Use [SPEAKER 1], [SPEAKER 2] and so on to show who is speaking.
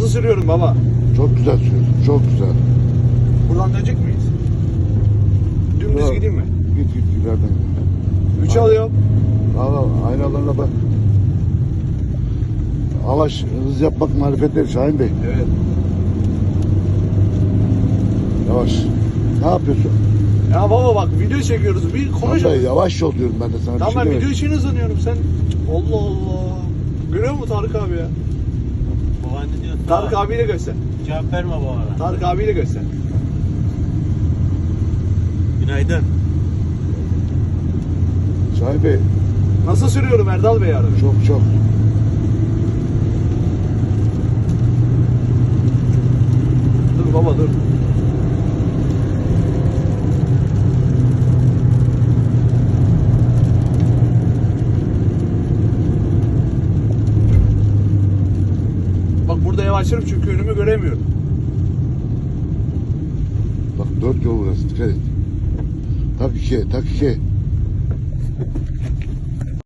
[SPEAKER 1] Nasıl sürüyorum baba?
[SPEAKER 2] Çok güzel sürüyorsun. Çok güzel.
[SPEAKER 1] Buradan dönecek miyiz? Dümdüz
[SPEAKER 2] Yok.
[SPEAKER 1] gideyim mi?
[SPEAKER 2] Git ileriden git.
[SPEAKER 1] 3 alıyorum.
[SPEAKER 2] Al aynalarına bak. Avaş hız yapmak marifetleri Şahin Bey.
[SPEAKER 1] Evet.
[SPEAKER 2] Yavaş. Ne yapıyorsun?
[SPEAKER 1] Ya baba bak video çekiyoruz. Bir konuş.
[SPEAKER 2] Vallahi yavaş ol diyorum ben de sana.
[SPEAKER 1] Tamam
[SPEAKER 2] bir
[SPEAKER 1] ben
[SPEAKER 2] şey
[SPEAKER 1] video
[SPEAKER 2] demedim.
[SPEAKER 1] için hızlanıyorum. Sen Allah Allah. Görüyor musun Tarık abi ya?
[SPEAKER 3] Baban ne diyor?
[SPEAKER 1] Tarık abiyle göster.
[SPEAKER 3] Cevap verme babana.
[SPEAKER 1] Tarık abiyle göster.
[SPEAKER 3] Günaydın.
[SPEAKER 2] Şahin Bey
[SPEAKER 1] Nasıl sürüyorum Erdal Bey yarın?
[SPEAKER 2] çok.
[SPEAKER 1] Dur baba dur. Bak burada yavaşlarım çünkü önümü göremiyorum.
[SPEAKER 2] Bak 4 yol burası. Dikkat et. Tak 2'ye.